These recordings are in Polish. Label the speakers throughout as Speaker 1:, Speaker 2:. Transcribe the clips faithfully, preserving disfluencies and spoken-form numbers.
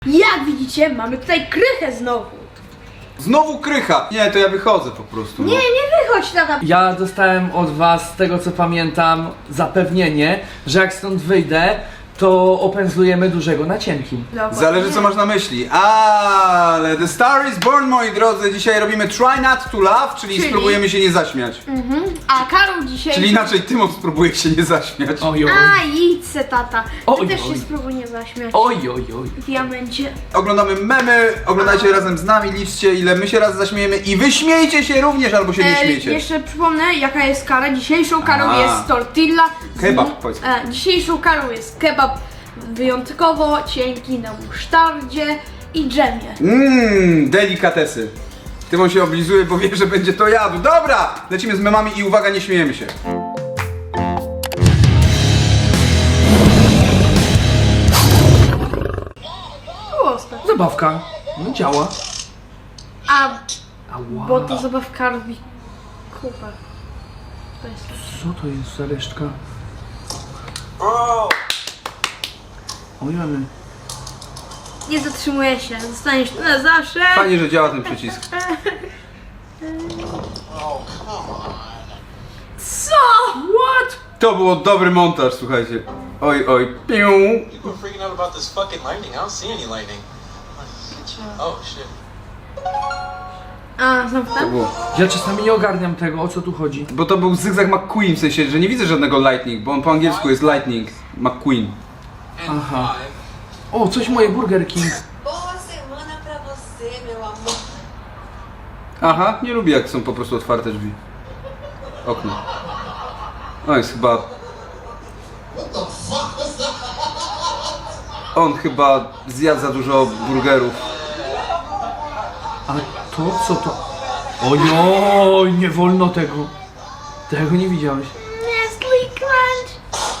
Speaker 1: Jak widzicie, mamy tutaj krychę znowu.
Speaker 2: Znowu krycha! Nie, to ja wychodzę po prostu.
Speaker 1: Nie,
Speaker 2: no.
Speaker 1: nie wychodź tata.
Speaker 3: Ja dostałem od was, z tego co pamiętam, zapewnienie, że jak stąd wyjdę, to opędzlujemy dużego na cienkim.
Speaker 1: Dokładnie.
Speaker 2: Zależy co masz na myśli. Ale The Star is Born, moi drodzy. Dzisiaj robimy Try Not to Laugh, czyli,
Speaker 1: Czyli?
Speaker 2: spróbujemy się nie zaśmiać.
Speaker 1: Mhm. A Karol dzisiaj...
Speaker 2: Czyli inaczej Tymon spróbuje się nie zaśmiać.
Speaker 3: Oj, oj,
Speaker 1: A, idź se tata. Ty
Speaker 3: Oj,
Speaker 1: też
Speaker 3: oj.
Speaker 1: się spróbuj nie zaśmiać.
Speaker 3: oj, oj, oj.
Speaker 1: W diamencie.
Speaker 2: Oglądamy memy, oglądajcie razem z nami, liczcie ile my się raz zaśmiejemy i wy śmiejcie się również albo się nie
Speaker 1: E,
Speaker 2: śmiejcie.
Speaker 1: jeszcze przypomnę, jaka jest kara. Dzisiejszą karą
Speaker 2: A.
Speaker 1: jest tortilla. z
Speaker 2: Kebab,
Speaker 1: mu-
Speaker 2: powiedz.
Speaker 1: E, dzisiejszą karą jest kebab wyjątkowo cienki na musztardzie i dżemie.
Speaker 2: Mmm, delikatesy. Tymon się oblizuje, bo wie, że będzie to jadł. Dobra, lecimy z memami i uwaga, nie śmiejemy się.
Speaker 1: Proste.
Speaker 3: Zabawka. No działa.
Speaker 1: A,
Speaker 3: Ała.
Speaker 1: bo to zabawka robi kupę. To jest to.
Speaker 3: Co to jest za resztka? Oj, ale...
Speaker 1: Nie zatrzymuję się, zostaniesz tu na zawsze.
Speaker 2: Fajnie, że działa ten przycisk.
Speaker 1: Co?
Speaker 3: What?
Speaker 2: To był dobry montaż, słuchajcie. Oj, oj, piu.
Speaker 4: People are freaking out about this fucking lightning. I don't see any lightning. Oh shit.
Speaker 1: A, znowu
Speaker 2: To
Speaker 1: ten?
Speaker 2: było.
Speaker 3: Ja czasami nie ogarniam tego, o co tu chodzi.
Speaker 2: Bo to był Zygzak McQueen, w sensie, że nie widzę żadnego lightning, bo on po angielsku jest lightning McQueen.
Speaker 3: Aha. O, coś moje Burger King.
Speaker 5: Boa semana pra você, meu amor.
Speaker 2: Aha, nie lubię jak są po prostu otwarte drzwi. Okno. O, jest chyba... On chyba zjadł za dużo burgerów.
Speaker 3: A to co to? Ojoj, nie wolno tego. Tego nie widziałeś.
Speaker 1: Nestle Crunch.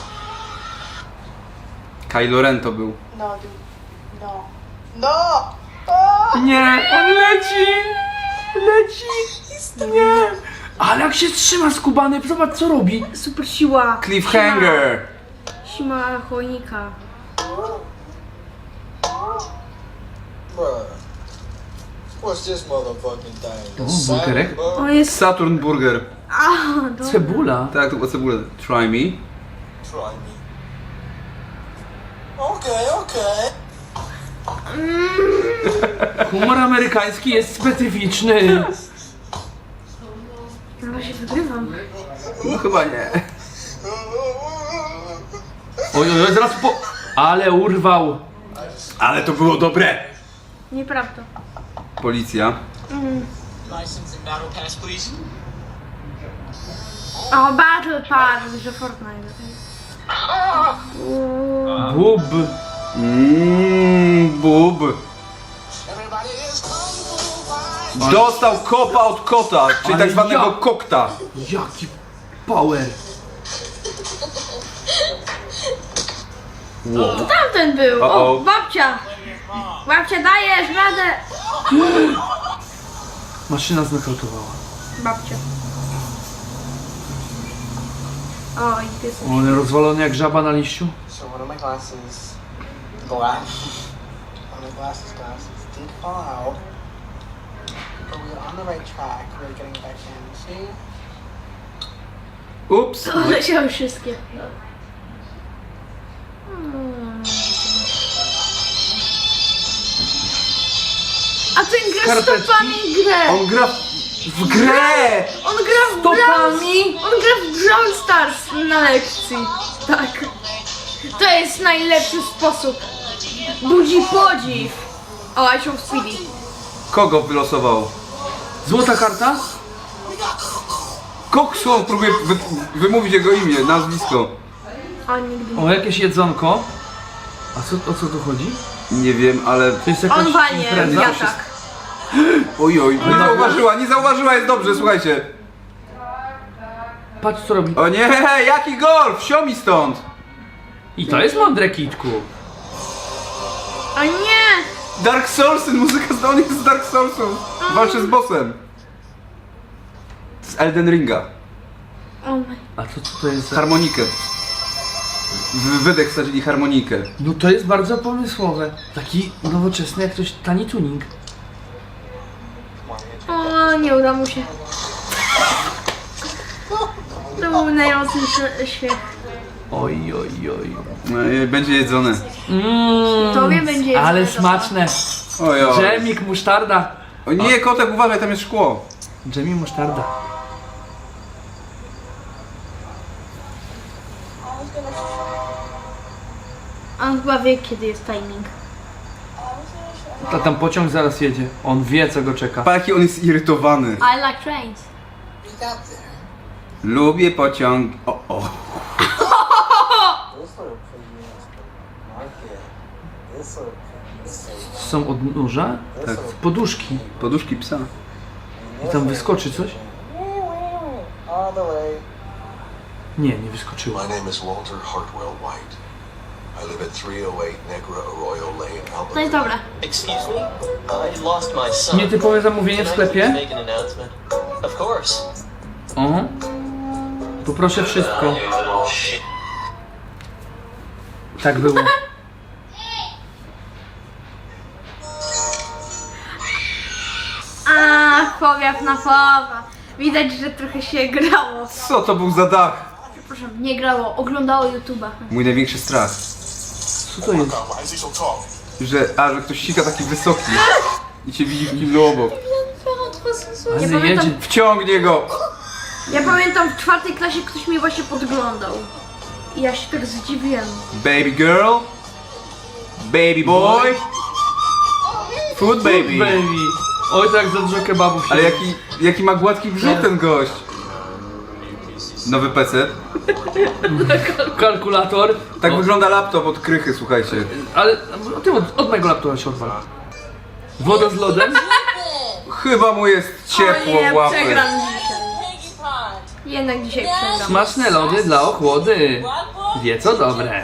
Speaker 2: Kylo Ren to był.
Speaker 5: No, dude. No. No!
Speaker 3: Nie, on leci! Leci! Nie! Ale jak się trzyma skubany, zobacz co robi.
Speaker 1: Super siła.
Speaker 2: Cliffhanger!
Speaker 1: Siła, siła chojnika.
Speaker 4: Bruh. What's this motherfucking thing?
Speaker 3: O, burgerek?
Speaker 1: O, jest...
Speaker 2: Saturn Burger.
Speaker 1: A, dobra.
Speaker 3: Cebula.
Speaker 2: Tak, to była cebula. Try me.
Speaker 4: Try me. Okay, okay.
Speaker 3: Humor amerykański jest specyficzny.
Speaker 1: Chyba się wygrywam.
Speaker 2: No chyba nie.
Speaker 3: Oj, oj, oj, zaraz po... Ale urwał.
Speaker 2: Ale to było dobre!
Speaker 1: Nieprawda.
Speaker 2: Policja.
Speaker 4: License and battle pass, please.
Speaker 1: O, Battle Pass, że Fortnite.
Speaker 3: Bub.
Speaker 2: Mmm, bub.
Speaker 4: Everybody is kung fu.
Speaker 2: Dostał kopa od kota, czyli
Speaker 3: Ale
Speaker 2: tak zwanego
Speaker 3: ja-
Speaker 2: kokta.
Speaker 3: Jaki power.
Speaker 2: Wow.
Speaker 1: Tamten był.
Speaker 2: O,
Speaker 1: O,
Speaker 2: o.
Speaker 1: babcia. Babcia, dajesz radę.
Speaker 3: Maszyna znakautowała.
Speaker 1: Babcia. O, i pies.
Speaker 3: O, ale rozwalony jak żaba na liściu.
Speaker 4: So one of my glasses, glass, one of my glasses, glasses did fall out, but we were on the right track. We were getting back in. See?
Speaker 2: Ups.
Speaker 1: Poleciały wszystkie. Hmm. A ten gra
Speaker 3: Skarpetki?
Speaker 1: stopami grę.
Speaker 2: On gra w grę!
Speaker 1: On gra w
Speaker 3: Stopami?
Speaker 1: Brawl, on gra w Brawl Stars na lekcji. Tak. To jest najlepszy sposób. Budzi podziw. O, I show Speedy.
Speaker 2: Kogo wylosował?
Speaker 3: Złota karta?
Speaker 2: Koksu, on próbuje wy, wymówić jego imię, nazwisko.
Speaker 1: A nigdy.
Speaker 3: O, jakieś jedzonko. A co, o co tu chodzi?
Speaker 2: Nie wiem, ale...
Speaker 3: To jest jakaś
Speaker 1: On walnie
Speaker 3: impreza?
Speaker 1: wiatrak.
Speaker 2: Oj, oj, nie zauważyła, nie zauważyła, jest dobrze, słuchajcie.
Speaker 3: Patrz co robi.
Speaker 2: O nie, jaki golf, sio mi stąd.
Speaker 3: I to jest mądre, Kitku.
Speaker 1: O nie!
Speaker 2: Dark Soulsy, muzyka z on jest z Dark Soulsów. Walczy z bossem. Z Elden Ringa.
Speaker 1: O my.
Speaker 3: A to co to jest za...
Speaker 2: Harmonikę. w wydech wsadzili harmonikę.
Speaker 3: No to jest bardzo pomysłowe. Taki nowoczesny jak ktoś tani tuning.
Speaker 1: O, nie uda mu się. To był najmocniejszy śmiech.
Speaker 3: Oj, oj, oj.
Speaker 2: No, i będzie jedzone.
Speaker 3: Mm,
Speaker 1: Tobie będzie
Speaker 3: ale
Speaker 1: jedzone,
Speaker 3: smaczne.
Speaker 2: Oj, oj.
Speaker 3: Dżemik, musztarda.
Speaker 2: O nie, kotek, uważaj, tam jest szkło.
Speaker 3: Dżemik, musztarda.
Speaker 1: On chyba wie, kiedy jest timing.
Speaker 3: A tam pociąg zaraz jedzie. On wie, co go czeka.
Speaker 2: Pa, jaki on jest irytowany.
Speaker 1: I like trains.
Speaker 4: We got there.
Speaker 2: Lubię pociąg. O, o.
Speaker 4: This little piggy is the market. This little piggy is so
Speaker 3: Są odnóża?
Speaker 2: Tak.
Speaker 3: Poduszki.
Speaker 2: Poduszki psa.
Speaker 3: I tam wyskoczy coś?
Speaker 4: all the way.
Speaker 3: Nie, nie wyskoczyło.
Speaker 6: My name is Walter Hartwell White. I live at three oh eight Negra Arroyo Lane,
Speaker 1: To jest
Speaker 6: Albuquerque.
Speaker 1: dobre.
Speaker 7: Excuse me? I lost my son.
Speaker 3: Nietypowe zamówienie w
Speaker 7: Can I please
Speaker 3: sklepie?
Speaker 7: make an announcement? Of course.
Speaker 3: O. Poproszę wszystko. Tak było.
Speaker 1: A, powiew na powa. Widać, że trochę się grało.
Speaker 2: Co to był za dach?
Speaker 1: Proszę, nie grało, oglądało YouTube'a.
Speaker 2: Mój największy strach.
Speaker 3: Co to jest?
Speaker 6: Why is he so tall?
Speaker 2: Że, a, że ktoś sika taki wysoki i cię widzi w kiblu obok.
Speaker 1: Ja
Speaker 3: Ale
Speaker 1: pamiętam,
Speaker 3: jedzie.
Speaker 2: Wciągnie go!
Speaker 1: ja pamiętam w czwartej klasie ktoś mnie właśnie podglądał. I ja się tak zdziwiłem.
Speaker 2: Baby girl. Baby boy. Food baby.
Speaker 3: Baby. Oj, tak za dużo kebabów się...
Speaker 2: Ale jaki, jaki ma gładki brzuch ten gość. Nowy P C.
Speaker 3: Kalkulator.
Speaker 2: Tak
Speaker 3: O,
Speaker 2: wygląda laptop od krychy, słuchajcie.
Speaker 3: Ale ty od, od mojego laptopa się odwal. Woda z lodem?
Speaker 2: Chyba mu jest ciepło
Speaker 1: o nie,
Speaker 2: w łapy.
Speaker 1: przegram dzisiaj. Jednak dzisiaj przegram.
Speaker 3: Smaczne lody dla ochłody. Wie co dobre.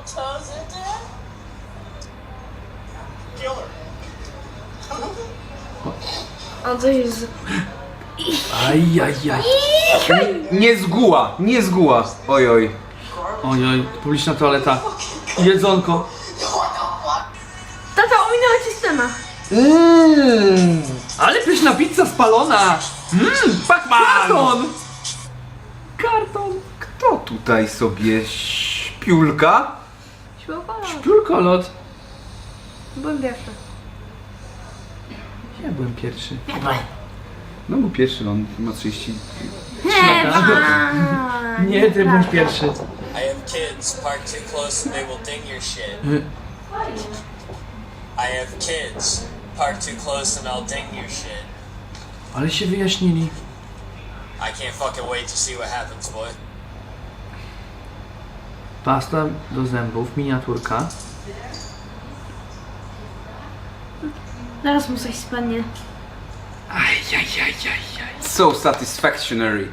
Speaker 1: On coś jest...
Speaker 3: Ajajaj.
Speaker 2: Nie zguła, nie zguła. Oj, oj.
Speaker 3: Ojoj, publiczna toaleta. Jedzonko.
Speaker 1: Tata, ominęła ci scena.
Speaker 3: Mmm, ale pyszna pizza spalona. Mmm, karton. Karton.
Speaker 2: Kto tutaj sobie śpiulka?
Speaker 1: Śpiewało.
Speaker 3: Piórkolot.
Speaker 1: Byłem pierwszy.
Speaker 3: Ja byłem pierwszy.
Speaker 2: No był pierwszy, on ma trzydzieści.
Speaker 3: Nie, ty byłeś pierwszy.
Speaker 7: I have kids parked too close and they will ding your shit. I have kids parked too close and I'll ding your shit.
Speaker 3: Ale się wyjaśnili.
Speaker 7: I can't fucking wait to see what happens, boy.
Speaker 3: Pasta do zębów, miniaturka.
Speaker 1: Zaraz mu coś spadnie.
Speaker 3: Ajajajajaj.
Speaker 2: So satisfactory.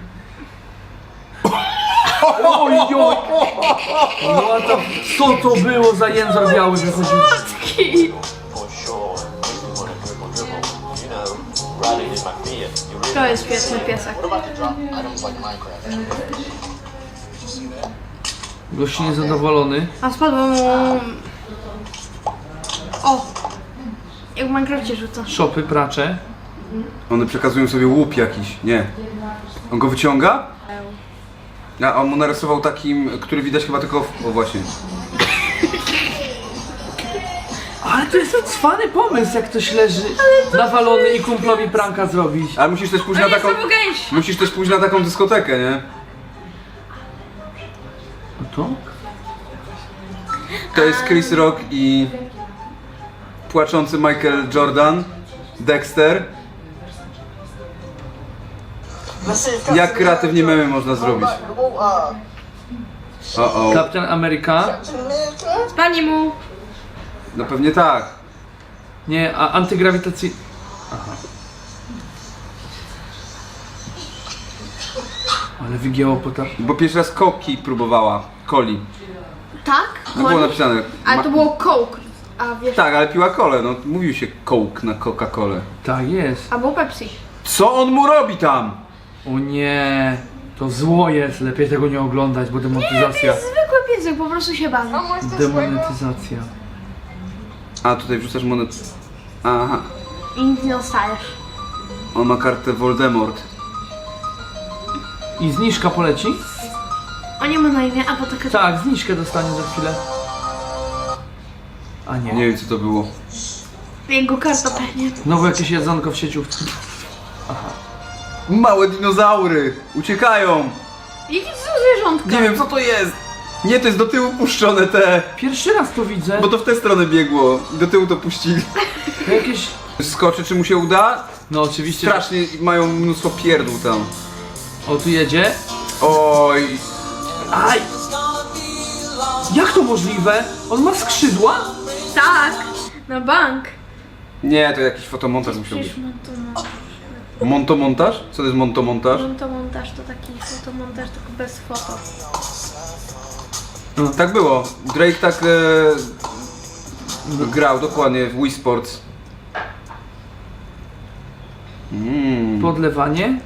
Speaker 3: Oj, oj. No to, co to było za język biały wychodził?
Speaker 6: For sure. You wanna dribble, dribble. You know, riding in my Fiat. You really
Speaker 1: To jest świetny piesek.
Speaker 4: What about the drop items like Minecraft?
Speaker 3: Gość niezadowolony.
Speaker 1: A spadło mu... O! Jak w Minecrafcie rzuca.
Speaker 3: Szopy, pracze.
Speaker 2: One przekazują sobie łup jakiś. Nie. On go wyciąga? A on mu narysował takim, który widać chyba tylko w... O właśnie.
Speaker 3: Ale to jest cwany pomysł, jak ktoś leży nawalony i kumplowi pranka zrobić.
Speaker 2: Ale musisz też pójść
Speaker 1: To
Speaker 2: na
Speaker 1: jest
Speaker 2: taką...
Speaker 1: znowu gęś!
Speaker 2: Musisz też pójść na taką dyskotekę, nie?
Speaker 3: No to?
Speaker 2: To jest Chris Rock i... Płaczący Michael Jordan. Dexter. Jak kreatywnie memy można zrobić? O, o.
Speaker 3: Kapitan Ameryka?
Speaker 1: Spadnie mu!
Speaker 2: No pewnie tak.
Speaker 3: Nie, a antygrawitacji... Aha. Ale wygięło pota...
Speaker 2: Bo pierwszy raz Coki próbowała. Coli.
Speaker 1: Tak?
Speaker 2: No było napisane.
Speaker 1: Ale
Speaker 2: Ma-
Speaker 1: to było Coke. A wiesz...
Speaker 2: Tak, ale piła kolę. No mówił się Coke na Coca-Colę.
Speaker 3: Tak jest.
Speaker 1: Albo Pepsi.
Speaker 2: Co on mu robi tam?
Speaker 3: O nie, to zło jest, lepiej tego nie oglądać, bo
Speaker 1: To
Speaker 3: demonetyzacja.
Speaker 1: jest zwykły język, po prostu się bawi.
Speaker 3: Demonetyzacja.
Speaker 2: A, tutaj wrzucasz monet. Aha.
Speaker 1: I nic nie dostajesz.
Speaker 2: On ma kartę Voldemort.
Speaker 3: I zniżka poleci?
Speaker 1: On nie ma na imię, a bo taka...
Speaker 3: Tak, zniżkę dostanie za chwilę. A nie.
Speaker 2: Nie wiem co to było.
Speaker 1: Jego karta pewnie.
Speaker 3: Znowu jakieś jedzonko w sieciówce.
Speaker 2: Małe dinozaury! Uciekają!
Speaker 1: Jakie to są zwierzątka?
Speaker 2: Nie wiem co to jest! Nie, to jest do tyłu puszczone te!
Speaker 3: Pierwszy raz to widzę.
Speaker 2: Bo to w tę stronę biegło. I do tyłu to puścili.
Speaker 3: To jakieś...
Speaker 2: Skoczy, czy mu się uda?
Speaker 3: No oczywiście.
Speaker 2: Strasznie mają mnóstwo pierdół tam.
Speaker 3: O, tu jedzie.
Speaker 2: Oj!
Speaker 3: Aj! Jak to możliwe? On ma skrzydła?
Speaker 1: Tak, na bank.
Speaker 2: Nie, to jakiś fotomontaż musiał być.
Speaker 1: Przecież montomontaż.
Speaker 2: Montomontaż? Co to jest montomontaż?
Speaker 1: Montomontaż to taki fotomontaż, tylko bez foto.
Speaker 2: No, tak było. Drake tak e, grał dokładnie w Wii Sports. Mm.
Speaker 3: Podlewanie.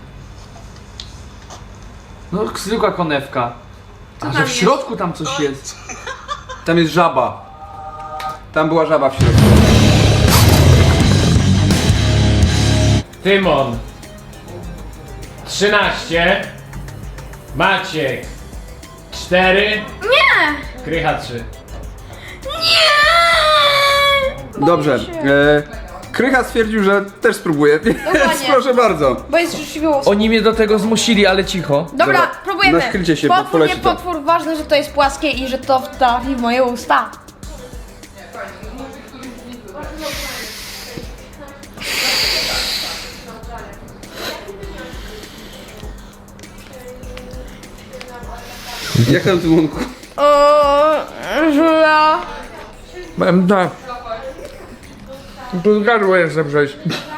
Speaker 3: No, zwykła konewka. A
Speaker 1: tam
Speaker 3: że w
Speaker 1: jest?
Speaker 3: środku tam coś jest.
Speaker 2: Tam jest żaba. Tam była żaba w środku.
Speaker 8: Tymon. trzynaście. Maciek. cztery.
Speaker 1: Nie!
Speaker 8: Krycha trzy.
Speaker 2: Dobrze. E, Krycha stwierdził, że też spróbuje, więc proszę bardzo.
Speaker 1: Bo jest rzeczywiście...
Speaker 3: Oni mnie do tego zmusili, ale cicho.
Speaker 1: Dobra,
Speaker 2: Dobra,
Speaker 1: próbujemy.
Speaker 2: naskrycie się, bo
Speaker 1: potwór, nie
Speaker 2: poleci to.
Speaker 1: potwór, ważne, że to jest płaskie i że to trafi w moje usta.
Speaker 2: Jak tam Tymonku?
Speaker 1: O, żula.
Speaker 3: Mam tak. Tu gardło jeszcze przejść.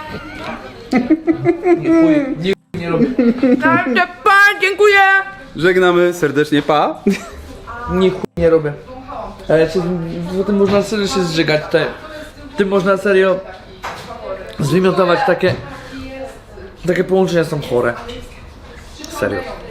Speaker 3: Nie chuj, nie, nie robię.
Speaker 1: Pan, dziękuję.
Speaker 2: Żegnamy serdecznie, pa.
Speaker 3: Nie chuj, nie robię. Ale czy, potem można serio się zżygać. Te, tym można serio zwymiotować takie... Takie połączenia są chore. Serio.